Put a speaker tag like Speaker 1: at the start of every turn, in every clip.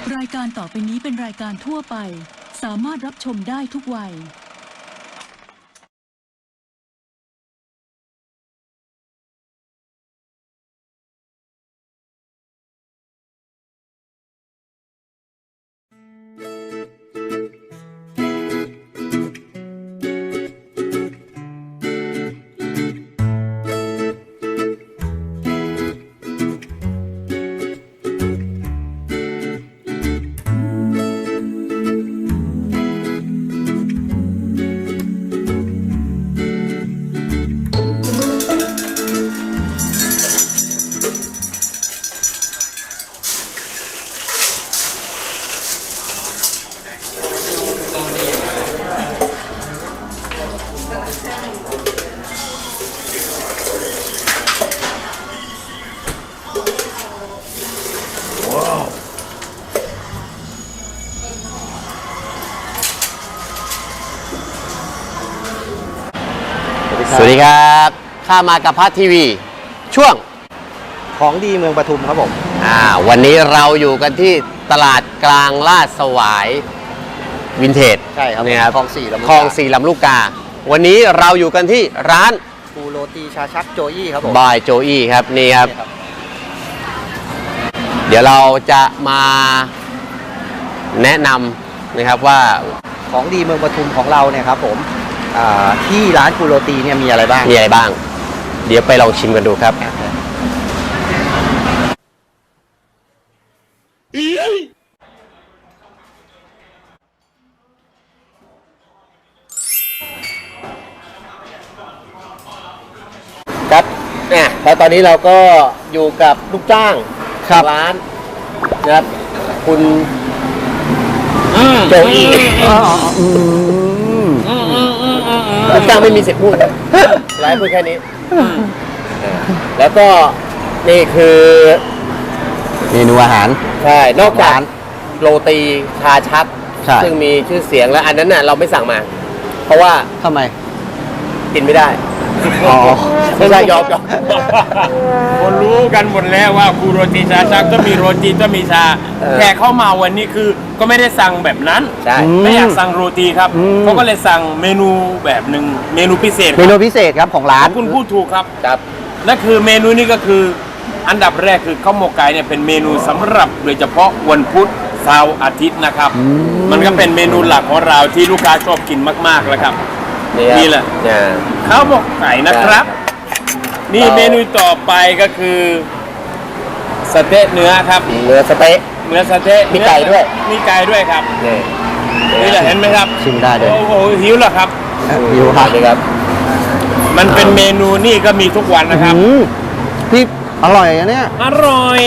Speaker 1: รายการต่อไปนี้เป็นรายการทั่วไปสามารถรับชมได้ทุกวัย
Speaker 2: สวัสดีครับข้ามากับพัททีวีช่วง
Speaker 3: ของดีเมืองปทุมครับผม
Speaker 2: วันนี้เราอยู่กันที่ตลาดกลางลาดสวายวินเทจ
Speaker 3: ใช่ครับ
Speaker 2: นี่ครับ
Speaker 3: คลองสี่ลำลูกกา
Speaker 2: คลองสี่ลำลูกกาวันนี้เราอยู่กันที่ร้าน
Speaker 3: ปูโรตีชาชักโจอี้ครับผม
Speaker 2: บายโจอี้ครับนี่ครับเดี๋ยวเราจะมาแนะนำนะครับว่า
Speaker 3: ของดีเมืองปทุมของเราเนี่ยครับผมที่ร้านปูโรตีเนี่ยมีอะไรบ้าง
Speaker 2: เดี๋ยวไปลองชิมกันดูครับ
Speaker 3: ครับแล้วตอนนี้เราก็อยู่กับลูกจ้างร้านนะครับคุณโจอี้ลูกจ้างไม่มีสิทธิ์พูดร้านพูดแค่นี้แล้วก็นี่คือ
Speaker 2: เมนูอาหาร
Speaker 3: ใช่นอกจากโรตีชาชักซึ่งมีชื่อเสียงแล้วอันนั้นน่ะเราไม่สั่งมาเพราะว่า
Speaker 2: ทำไม
Speaker 3: กินไม่ได้ไม่ใช่ยอม
Speaker 4: คนรู้กันหมดแล้วว่าคูโรตีชาชักต้องมีโรตีต้องมีชาแขกเข้ามาวันนี้คือก็ไม่ได้สั่งแบบนั้นไม่อยากสั่งโรตีครับเขาก็เลยสั่งเมนูแบบหนึ่งเมนูพิเศษ
Speaker 3: ครับของร้าน
Speaker 4: คุณพูดถูกครับนั่นคือเมนูนี้ก็คืออันดับแรกคือข้าวหมกไก่เนี่ยเป็นเมนูสำหรับโดยเฉพาะวันพุธเสาร์อาทิตย์นะครับมันก็เป็นเมนูหลักของเราที่ลูกค้าชอบกินมากๆแล้วครับนี่แหละข้าวหมกไก่นะครับนี่เมนูต่อไปก็คือสเต๊ะเนื้อครับ
Speaker 3: เนื้อสเต๊ะมีไก่
Speaker 4: ด้วยครับนี่แหละเห็นไหมครับ
Speaker 3: ชิมได้เลย
Speaker 4: โอ้โหหิวแล้วครับ
Speaker 3: หิวครับ
Speaker 4: มันเป็นเมนูนี่ก็มีทุกวันนะครับ
Speaker 3: พี่อร่อยอันเนี้ย
Speaker 4: อร่อย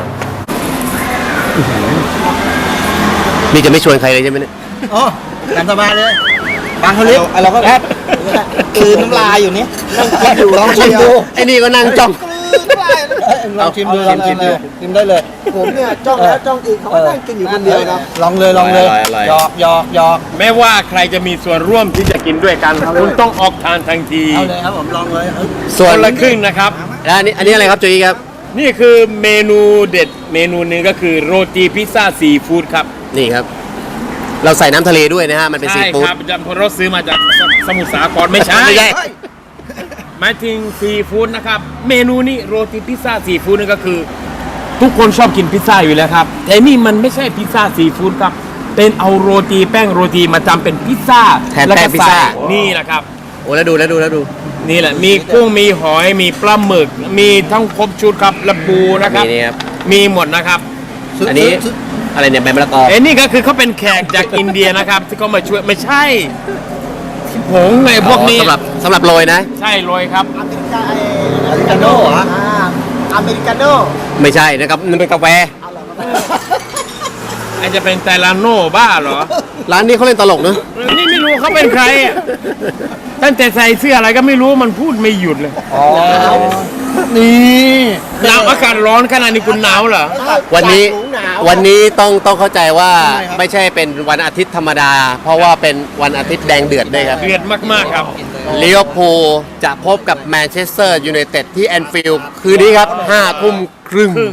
Speaker 2: นี่จะไม่ชวนใครเลยใช่ไหมเนี่ย
Speaker 3: อ๋อตามสบายเลยบางคนเล็กเราก็คือน้ำลายอยู่นี่นั่งกินอยู่ลองชิมดู
Speaker 2: ไอ้นี่ก็นั่งจ้อง
Speaker 3: ลองชิมดูชิมได้เลย
Speaker 5: ผมเนี่ยจ้องแล้วจ้องอีกเขานั่งกินอยู่คนเดียวครับ
Speaker 3: ลองเลยหยอก
Speaker 4: ไม่ว่าใครจะมีส่วนร่วมที่จะกินด้วยกันคุณต้องออกทานทันที
Speaker 3: เอาเลยครับผมลองเลย
Speaker 4: ส่วนละครึ่งนะครับ
Speaker 2: แล้วอันนี้อะไรครับโจอี้ครับ
Speaker 4: นี่คือเมนูเด็ดเมนูนึงก็คือโรตีพิซซ่าซีฟู้ดครับ
Speaker 2: นี่ครับเราใส่น้ำทะเลด้วยนะฮะมันเป็นซีฟู้ด
Speaker 4: ใช่ครับเราซื้อมาจากสมุทรสาครไม่ใช่หมายถึงซีฟู้ดนะครับเมนูนี้โรตีพิซซ่าซีฟู้ดนี่ก็คือทุกคนชอบกินพิซซ่าอยู่แล้วครับแต่นี่มันไม่ใช่พิซซ่าซีฟู้ดครับเป็นเอาโรตีแป้งโรตีมาทำเป็นพิซซ่า
Speaker 2: แทนแป้งพิซซ่า
Speaker 4: นี่แหละครับ
Speaker 2: โอ้แล้วดู
Speaker 4: นี่แหละมีกุ้งมีหอยมีปลาหมึกมีทั้งครบชุดครับและปูนะครับมีหมดนะครับ
Speaker 2: อันนี้อะไรเนี่ยใบมะละกอ
Speaker 4: นี่ก็คือเขาเป็นแขกจากอินเดียนะครับที่เขามาช่วยไม่ใช่ผงไงพวกนี้
Speaker 2: สำหรับโรยนะ
Speaker 4: ใช่โรยครับ
Speaker 5: อเมริกาโน่เหรออเมริกาโน่
Speaker 2: ไม่ใช่นะครับมันเป็นกาแฟ
Speaker 4: อาจจะเป็นไตลาโน่บ้าเหรอ
Speaker 2: ร้านนี้เขาเล่นตลกเนอะ
Speaker 4: นี่ไม่รู้เขาเป็นใครตั้งแต่ใส่เสื้ออะไรก็ไม่รู้มันพูดไม่หยุดเลย
Speaker 3: นี่
Speaker 4: หนาวอากาศร้อนขนาดนี้คุณหนาวเหรอ
Speaker 2: วันนี้ต้องเข้าใจว่าไม่ใช่เป็นวันอาทิตย์ธรรมดาเพราะว่าเป็นวันอาทิตย์แดงเดือดด้วยครับ
Speaker 4: เดือดมากๆครับ
Speaker 2: ลิเวอร์พูลจะพบกับแมนเชสเตอร์ยูไนเต็ดที่แอนฟิลด์คืนนี้ครับ 5 ทุ่มครึ่ง
Speaker 4: โอ้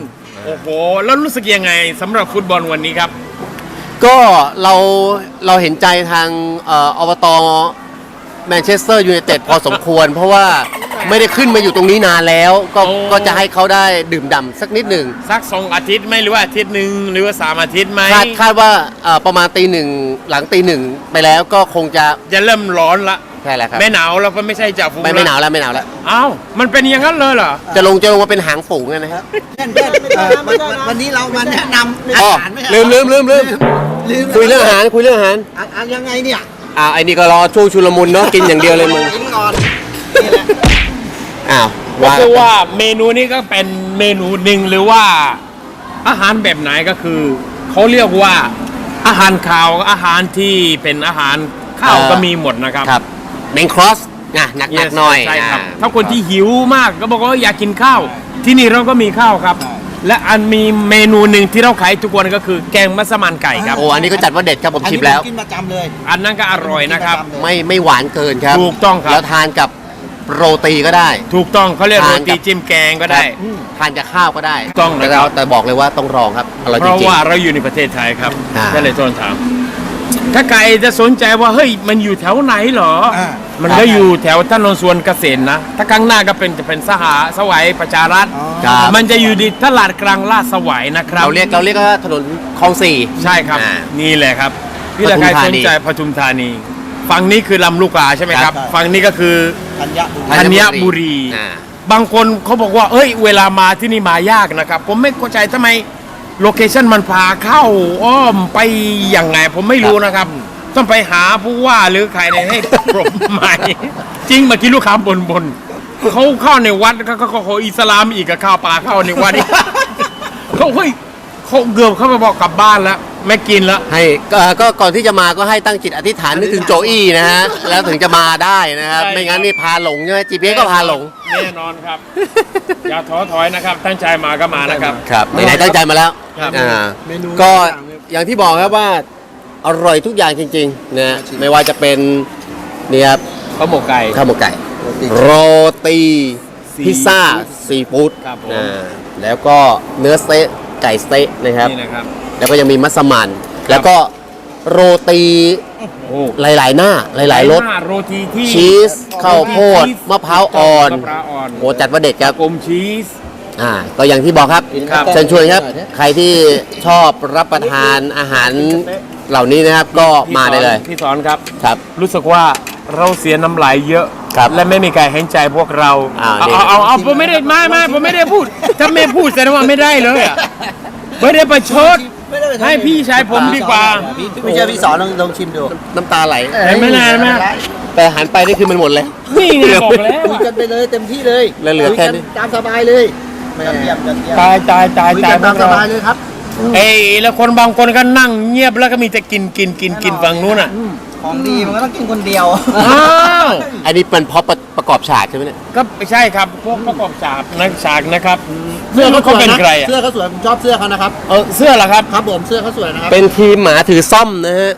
Speaker 4: โอ้โห แล้วรู้สึกยังไงสำหรับฟุตบอลวันนี้ครับ
Speaker 2: ก็เราเห็นใจทางอบตแมนเชสเตอร์ยูไนเต็ดพอสมควร เพราะว่าไม่ได้ขึ้นมาอยู่ตรงนี้นานแล้ว ก็
Speaker 4: โอ้
Speaker 2: ก็จะให้เขาได้ดื่มด่ำสักนิดหนึ่ง
Speaker 4: สัก2 อาทิตย์ไหมหรือว่าอาทิตย์หนึ่งหรือว่า3 อาทิตย์ไหม
Speaker 2: คาดว่าประมาณตีหนึ่งหลังตีหนึ่งไปแล้วก็คงจะ
Speaker 4: จะเริ่มร้อนละ
Speaker 2: ใช่แล้วครับ
Speaker 4: ไม่หนาวแล้วก็ไม่ใช่จ่าฝูง
Speaker 2: ไม่หนาวแล้วไม่หนาวแล้ว
Speaker 4: อ้าวมันเป็นอย่างนั้นเลยเหรอ
Speaker 2: จะลงมาเป็นหางฝูงกันนะครับ
Speaker 5: เพื่อนวันนี้เรามาแนะนำ
Speaker 2: อ๋อ
Speaker 5: อาหารไม่ใช่
Speaker 2: ลืม
Speaker 5: ลืม
Speaker 2: คุยเรื่องอาหารคุยเรื่องอาหาร
Speaker 5: อันยังไงเนี่ย
Speaker 2: ไอ้นี่ก็รอช่วงชุลมุนเนาะกินอย่างเดียวเลยมึง
Speaker 5: กินก่อนนี่แหละ
Speaker 2: อ้าว
Speaker 4: ก็คือว่าเมนูนี้ก็เป็นเมนูหนึ่งหรือว่าอาหารแบบไหนก็คือเขาเรียกว่าอาหารคาวอาหารที่เป็นอาหารข้าวก็มีหมดนะครับ
Speaker 2: ครับเมนครอสนะหนัก
Speaker 4: Yes
Speaker 2: หน่อย
Speaker 4: ใช่ครับ
Speaker 2: อ่า
Speaker 4: ถ้าคนที่หิวมากก็บอกว่าอยากกินข้าว ที่นี่เราก็มีข้าวครับ และอันมีเมนูหนึ่งที่เราขายทุกวันก็คือแกงมัสมั่นไก่ครับ
Speaker 2: โอ้อันนี้ก็จัดว่าเด็ดครับผมชิมแล้ว
Speaker 5: อันนี้ผกินประจำเลย
Speaker 4: อันนั้นก็อร่อยนะครับ
Speaker 2: ไม่หวานเกินครับ
Speaker 4: ถูกต้องครับ
Speaker 2: แล้วทานกับโรตีก็ได้
Speaker 4: ถูกต้องเขาเรียกโร
Speaker 2: ทานกั
Speaker 4: ตี
Speaker 2: บ
Speaker 4: จิ้มแกงก็ได้
Speaker 2: ทานกับข้าวก็ได้
Speaker 4: ต้องนะครับ
Speaker 2: แต่บอกเลยว่าต้องลองครับอร่อย
Speaker 4: เพ
Speaker 2: จ
Speaker 4: ราะ
Speaker 2: ริง
Speaker 4: ว่าเราอยู่ในประเทศไทยครับ
Speaker 2: อ่า
Speaker 4: ก็เลยต้นถามถ้าใครจะสนใจว่าเฮ้ยมันอยู่แถวไหนเหรอ มันก็อยู่แถวถนนสวนเกษตรนะ ถ้าข้างหน้าก็จะเป็นสวัยประชารัฐ
Speaker 2: ๆครับ
Speaker 4: มันจะอยู่ที่ตลาดกลางลาดสวัยนะครับ
Speaker 2: เราเรียกว่าถนนคลองสี่
Speaker 4: ใช่ครับ
Speaker 2: อ่า
Speaker 4: นี่แหละครับพี่
Speaker 2: ป
Speaker 4: ละ
Speaker 2: ทุม
Speaker 4: ใคร
Speaker 2: ธา
Speaker 4: ส
Speaker 2: นี
Speaker 4: นใจปทุมธานี ฝั่งนี้คือลำลูกกาใช่ไหมครับ
Speaker 5: ครับ
Speaker 4: ฝั่งนี้ก็คือ
Speaker 5: ธัญบุรี
Speaker 4: ธัญบุรี
Speaker 2: อ่า
Speaker 4: บางคนเขาบอกว่า เอ้ย เวลามาที่นี่มายากนะครับ ผมไม่เข้าใจทำไมโลเคชั่นมันพาเข้าอ้อมไปอย่างไง ผมไม่รู้นะครับ ต้องไปหาผู้ว่าหรือใครเนี่ยให้ปรบใหม่ จริงเมื่อกี้ลูกค้าบนเขาเข้าในวัดเขาอิสลามอีกกับข้าวปลาเข้าในวัดอีก เขาเฮ้ยเขาเกือบเข้าไปบอกกลับบ้านแล้ว ไม่กินแล้ว
Speaker 2: ให้ก็ก่อนที่จะมาก็ให้ตั้งจิตอธิษฐานนึกถึงโจอี้นะฮะแล้วถึงจะมาได้นะครับ
Speaker 4: ใช่
Speaker 2: ไม่งั้นนี่พาหลงใช่ไหม GPS ก็พาหลง
Speaker 4: แน่นอนครับ อย่าท้อถอยนะครับ ตั้งใจมาก็มานะครับ
Speaker 2: ครับไหนๆตั้งใจมาแล้ว
Speaker 4: ครับ
Speaker 5: เมนู
Speaker 2: ก็
Speaker 5: ต่างๆ
Speaker 2: อย่างที่บอกครับว่าอร่อยทุกอย่างจริงๆนะไม่ว่าจะเป็นเนี่ยครับ
Speaker 4: ข้าวหมกไก่
Speaker 2: ข้าวหมกไก่ โรตีพิซซ่าซีฟู้ด
Speaker 4: ครับผม
Speaker 2: แล้วก็เนื้อสเต๊ะไก่สเต๊ะนะครับ
Speaker 4: นี่นะครับ
Speaker 2: แล้วก็ยังมีมัสมั่นแล้วก็โรตี
Speaker 4: โอ้
Speaker 2: หลายๆหน้าหลายๆรส
Speaker 4: โรตีที่
Speaker 2: ชีสข้าวโพดมะพร้าวอ่อน
Speaker 4: มะพร้าวอ่อน
Speaker 2: โอ้จัดว่าเด็ดครับ
Speaker 4: กลมชีส
Speaker 2: ก็อย่างที่บอกครับ
Speaker 4: ครับ
Speaker 2: เชิญชวนครับ ใครที่ชอบรับประทานอาหารเหล่านี้นะครับก็มาได้เลย
Speaker 4: พี่สอนครับ
Speaker 2: ครับ
Speaker 4: รู้สึกว่าเราเสียน้ำลายเยอะ
Speaker 2: ครับ
Speaker 4: และไม่มีใครเห็นใจพวกเรา
Speaker 2: นี่
Speaker 4: เอาผมไม่ได้ไม่ผมไม่ได้พูด ถ้าไม่พูดแสดงว่าไม่ได้เลยอะไม่ได้ประชด
Speaker 5: ไม่ได้ไปทำ
Speaker 4: ให้พี่ชายผมดีกว่า
Speaker 5: ไม่เชื่อพี่สอนลองชิมดู
Speaker 2: น้ำตาไหล
Speaker 4: เห็นไหมนะเห็นไหม
Speaker 2: แต่หันไปนี่คือมันหมดเลย
Speaker 4: นี่ไงบอกแล้ว
Speaker 5: คุยกันไปเลยเต็มที่เลย
Speaker 2: แล้วเหลือแค่นี้
Speaker 5: คุยกัตามสบายเลยเยี่ยม
Speaker 4: ตายตายตาย
Speaker 5: คุย
Speaker 4: ตาย
Speaker 5: กัน
Speaker 4: พ
Speaker 5: ตาว ม
Speaker 4: ก
Speaker 5: ส
Speaker 4: เรา
Speaker 5: บายเลยครับ
Speaker 4: เอ้ยแล้วคนบางคนก็นั่งเงียบแล้วก็มีแต่กินฝั่งนู้นอ่ะ
Speaker 5: ของดีมันก็ต้องกินคนเดียว
Speaker 4: อ้าว
Speaker 2: อันนี้เป็นเพราะประกอบฉากใช่ไหมเนี่ย
Speaker 4: ก็ไม่ใช่ครับพวกประกอบฉากนะครับ
Speaker 5: เสื้อเขา
Speaker 4: เขาเป็นใครอ่ะ
Speaker 5: เสื้อเขาสวยผมชอบเสื้อเขานะครับ
Speaker 4: เสื้อเหรอครับ
Speaker 5: ครับผมเสื้อเขาสวยนะครับ
Speaker 2: เป็นทีมหมาถือซ่อมนะฮะ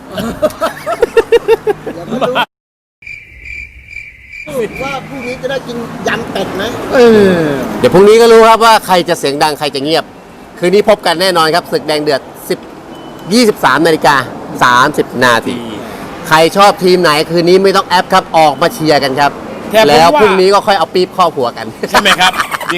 Speaker 5: ว่าพรุ่งนี้จะได้กินยำเป็ดไหม
Speaker 2: เดี๋ยวพรุ่งนี้ก็รู้ครับว่าใครจะเสียงดังใครจะเงียบ คืนนี้พบกันแน่นอนครับศึกแดงเดือด23:30 นาที ใครชอบทีมไหนคืนนี้ไม่ต้องแอปครับออกมาเชียร์กันครับ
Speaker 4: แต่ผมว่า
Speaker 2: แล้วพรุ่งนี้ก็ค่อยเอาปี๊บข้อหัวกัน
Speaker 4: ใช่ไหมครับดี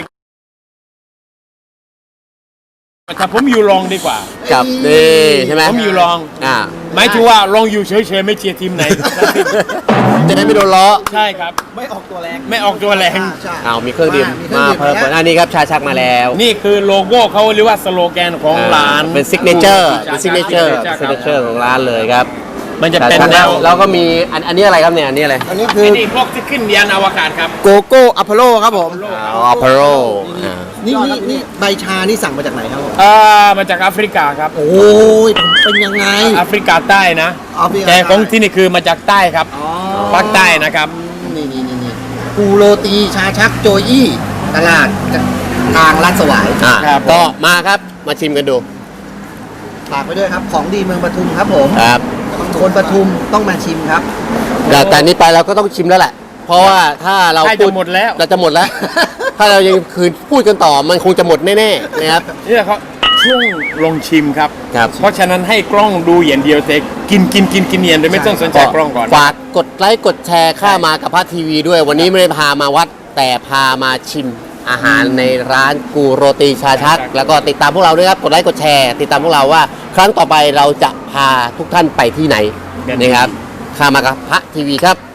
Speaker 4: แต่ผมอยู่รองดีกว่า
Speaker 2: กับนี่ใช่ไหม
Speaker 4: ผมอยู่รอง หมายถึงว่าลองอยู่เฉยๆไม่เชียร์ทีมไหน
Speaker 2: จะได้ไม่โดนล้อ
Speaker 4: ใช่ครับ
Speaker 5: ไม่ออกตัวแรง
Speaker 4: ไม่ออกตัวแรง
Speaker 5: ใช่
Speaker 2: เอามีเครื่องดื่ม
Speaker 5: มีเครื่อง
Speaker 2: มา
Speaker 5: ดื่ม
Speaker 2: เพิ่ม
Speaker 5: แล้ว
Speaker 2: อันนี้ครับชาชักมาแล้ว
Speaker 4: นี่คือโลโก้เขาหรือว่าสโลแกนของร้าน
Speaker 2: เป็นซิกเนเจอร์เป็นซิกเนเจอร์ของร้านเลยครับ
Speaker 4: มันจะเป็น
Speaker 2: ชา
Speaker 4: แน
Speaker 2: ชัก
Speaker 4: ว
Speaker 2: แล้วก็มีอันนี้อะไรครับเนี่ยอันนี้อะไร
Speaker 5: อันนี้คือ
Speaker 4: ไอ้นี่พวกที่ขึ้นยานอวกาศครับ
Speaker 5: โกโก้อัพโลครับผม
Speaker 2: ออพโร
Speaker 5: นี่ใบชานี่สั่งมาจากไหนครับผม
Speaker 4: มาจากแอฟริกาครับ
Speaker 5: โอ้ยเป็นยังไง
Speaker 4: แอฟริกาใต้นะ
Speaker 5: แอฟริกาใต้
Speaker 4: แต่ของที่นี่คือมาจากใต้ครับ
Speaker 5: อ๋อ
Speaker 4: ภาคใต้นะครับ
Speaker 5: นี่ปูโรตีชาชักโจยี่ตลาดทางลาดสวาย
Speaker 4: ครับ
Speaker 2: ก็มาครับมาชิมกันดู
Speaker 5: ฝากไปด้วยครับ ของดีเมืองปทุมครับผม
Speaker 2: ครับ
Speaker 5: คนปทุมต้องมาชิมครับ
Speaker 2: แต่นี้ไปเราก็ต้องชิมแล้วแหละ เพราะว่าถ้าเรา
Speaker 4: ใกล้จะหมดแล้ว
Speaker 2: เราจะหมดแล้วถ้าเรายังคืนพูดกันต่อมันคงจะหมดแน่ๆนะครับ
Speaker 4: นี่เขาช่วงลงชิมครับ
Speaker 2: ครับ
Speaker 4: เพราะฉะนั้นให้กล้องดูอย่างเดียวแต่กินเย็นโดยไม่ต้องสนใจกล้องก่อน
Speaker 2: ฝากกดไลค์กดแชร์ข้ามากับพระทีวีด้วย วันนี้ไม่ได้พามาวัดแต่พามาชิมอาหารในร้านกูโรตีชาชัก แล้วก็ติดตามพวกเราด้วยครับกดไลค์กดแชร์ติดตามพวกเราว่า ครั้งต่อไปเราจะพาทุกท่านไปที่ไหนนะครับข้ามากับพระทีวีครับ